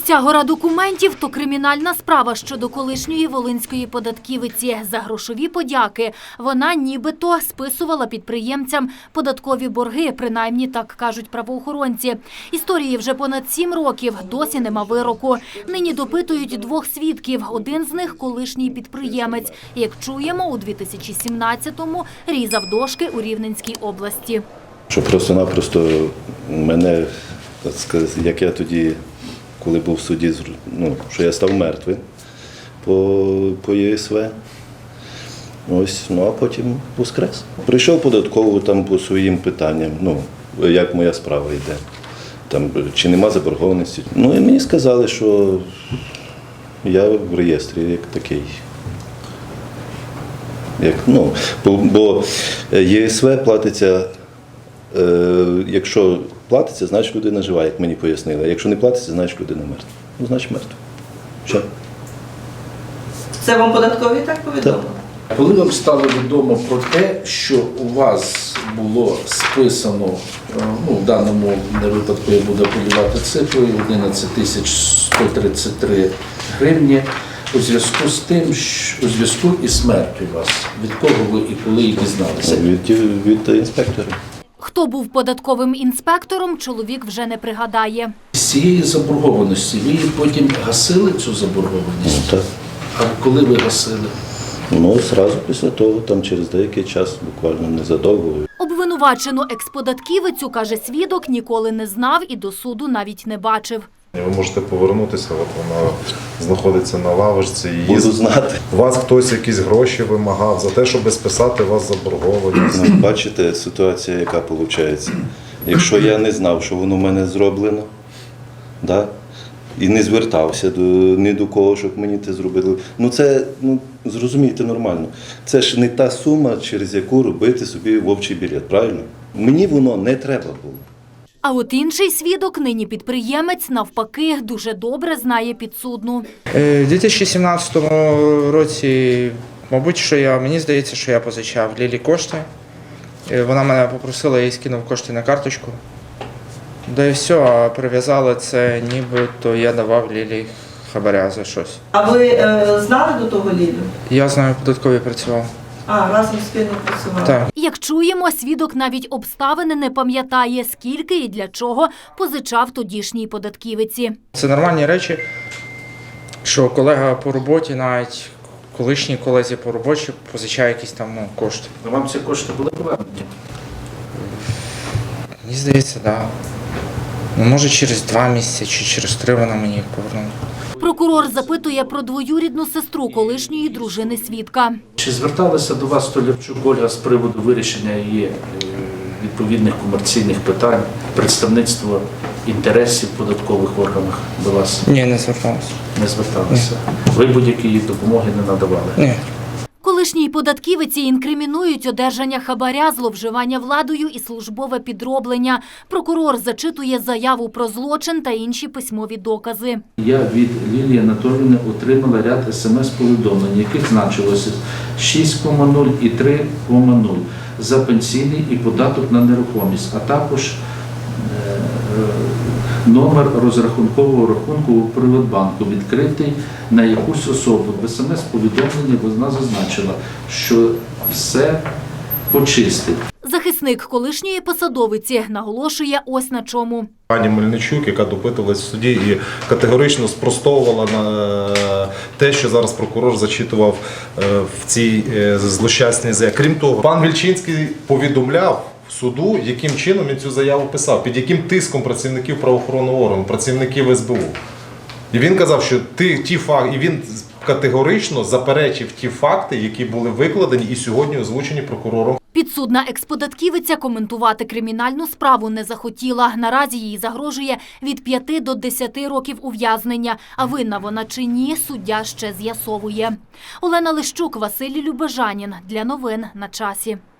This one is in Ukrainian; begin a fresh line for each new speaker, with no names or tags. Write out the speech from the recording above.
ця гора документів – то кримінальна справа щодо колишньої волинської податківиці. За грошові подяки вона нібито списувала підприємцям податкові борги, принаймні так кажуть правоохоронці. Історії вже понад 7 років, досі нема вироку. Нині допитують 2 свідків, один з них – колишній підприємець. Як чуємо, у 2017-му різав дошки у Рівненській області.
Що просто-напросто мене, так сказати, як я тоді, коли був в суді, що я став мертвим по ЄСВ. Ось, а потім воскрес. Прийшов податково там по своїм питанням, як моя справа йде, там, чи нема заборгованості. І мені сказали, що я в реєстрі як такий. Бо ЄСВ платиться, якщо платиться, значить людина жива, як мені пояснили. А якщо не платиться, значить людина мертва. Значить мертва. Все.
Це вам податкові так повідомили?
Так.
Коли вам стало відомо про те, що у вас було списано, в даному випадку я буду апелювати цифрою, 11 133 гривні, у зв'язку з тим, у зв'язку із смертю вас, від кого ви і коли її дізналися?
Від інспектора.
Хто був податковим інспектором, чоловік вже не пригадає.
З цієї заборгованості ви потім гасили цю заборгованість?
Так.
А коли ви гасили?
Зразу після того, там через деякий час, буквально незадовго.
Обвинувачену експодатківицю, каже свідок, ніколи не знав і до суду навіть не бачив.
Ви можете повернутися, вона знаходиться на лавочці.
Буду знати.
У вас хтось якісь гроші вимагав за те, щоб списати вас заборгованість.
Бачите, ситуація, яка виходить. Якщо я не знав, що воно в мене зроблено, і не звертався ні до кого, щоб мені це зробили. Це, зрозумійте, нормально. Це ж не та сума, через яку робити собі вовчий білет, правильно? Мені воно не треба було.
А от інший свідок, нині підприємець, навпаки, дуже добре знає підсудну.
У 2017 році, мабуть, мені здається, що я позичав Лілі кошти. Вона мене попросила, я їй скинув кошти на карточку. Да і все, а прив'язали це, нібито я давав Лілі хабаря за щось.
А ви знали до того Лілю?
Я знаю, податкові працював.
Разом спільно працювали?
Так.
Як чуємо, свідок навіть обставини не пам'ятає, скільки і для чого позичав тодішній податківиці.
Це нормальні речі, що колега по роботі, навіть колишній колезі по роботі позичає якісь там кошти.
Вам ці кошти були повернуті?
Мені здається, так. Може через 2 місяці чи через 3 вона мені їх повернула.
Прокурор запитує про двоюрідну сестру колишньої дружини свідка.
Чи зверталася до вас Столярчук Ольга з приводу вирішення її відповідних комерційних питань, представництва інтересів податкових в органах до вас?
Ні, не зверталася.
Не зверталися. Ви будь-якої допомоги не надавали?
Ні.
Колишній податківиці інкримінують одержання хабаря, зловживання владою і службове підроблення. Прокурор зачитує заяву про злочин та інші письмові докази.
Я від Лілії Анатоліївни отримала ряд смс-повідомлень, яких значилося 6,0 і 3,0 за пенсійний і податок на нерухомість, а також номер розрахункового рахунку у Приватбанку, відкритий на якусь особу. В смс-повідомленні вона зазначила, що все почистить.
Захисник колишньої посадовиці наголошує ось на чому.
Пані Мельничук, яка допитувалась в суді і категорично спростовувала на те, що зараз прокурор зачитував в цій злощасній заяві. Крім того, пан Вільчинський повідомляв суду, яким чином він цю заяву писав, під яким тиском працівників правоохоронного органу, працівників СБУ. І він казав, що ті факти, і він категорично заперечив ті факти, які були викладені і сьогодні озвучені прокурором.
Підсудна експодатківиця коментувати кримінальну справу не захотіла. Наразі їй загрожує від 5 до 10 років ув'язнення. А винна вона чи ні, суддя ще з'ясовує. Олена Лищук, Василь Любежанін. Для новин на часі.